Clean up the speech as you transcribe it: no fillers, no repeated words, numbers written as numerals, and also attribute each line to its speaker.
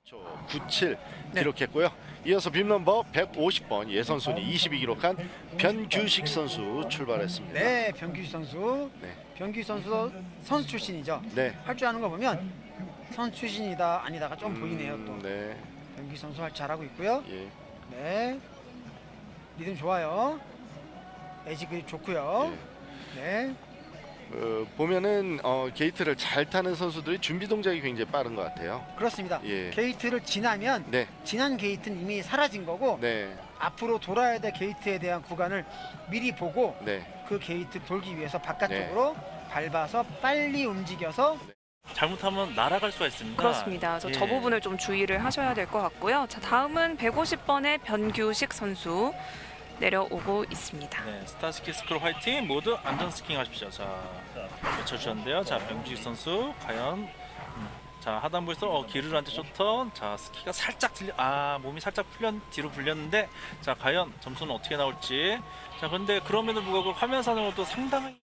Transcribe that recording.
Speaker 1: 97
Speaker 2: 네.
Speaker 1: 기록했고요. 이어서 빔넘버 150번 예선 순위 22 기록한 변규식 선수 출발했습니다.
Speaker 2: 네, 변규식 선수.
Speaker 1: 네.
Speaker 2: 변규식 선수도 선수 출신이죠.
Speaker 1: 네.
Speaker 2: 할 줄 아는 거 보면 선수 출신이다 아니다가 좀 보이네요. 또
Speaker 1: 네.
Speaker 2: 변규식 선수 잘하고 있고요.
Speaker 1: 예.
Speaker 2: 네, 리듬 좋아요. 에지 그립 좋고요.
Speaker 1: 예.
Speaker 2: 네,
Speaker 1: 보면은 게이트를 잘 타는 선수들이 준비 동작이 굉장히 빠른 것 같아요.
Speaker 2: 그렇습니다.
Speaker 1: 예.
Speaker 2: 게이트를 지나면
Speaker 1: 네.
Speaker 2: 지난 게이트는 이미 사라진 거고
Speaker 1: 네.
Speaker 2: 앞으로 돌아야 될 게이트에 대한 구간을 미리 보고
Speaker 1: 네.
Speaker 2: 그 게이트 돌기 위해서 바깥쪽으로 밟아서 빨리 움직여서
Speaker 3: 잘못하면 날아갈 수가 있습니다.
Speaker 4: 그렇습니다. 저
Speaker 3: 예.
Speaker 4: 부분을 좀 주의를 하셔야 될 것 같고요. 자, 다음은 150번의 변규식 선수 내려오고 있습니다.
Speaker 3: 네, 스타스키 스크롤 화이팅! 모두 안전 스킹 하십시오. 자, 외쳐주셨는데요. 자, 변규식 선수 과연 자, 하단부에서 기르한테 쇼턴. 자, 스키가 살짝 몸이 살짝 뒤로 불렸는데 자, 과연 점수는 어떻게 나올지. 자, 그런데 그럼에도 불구하고 화면상으로도 상당히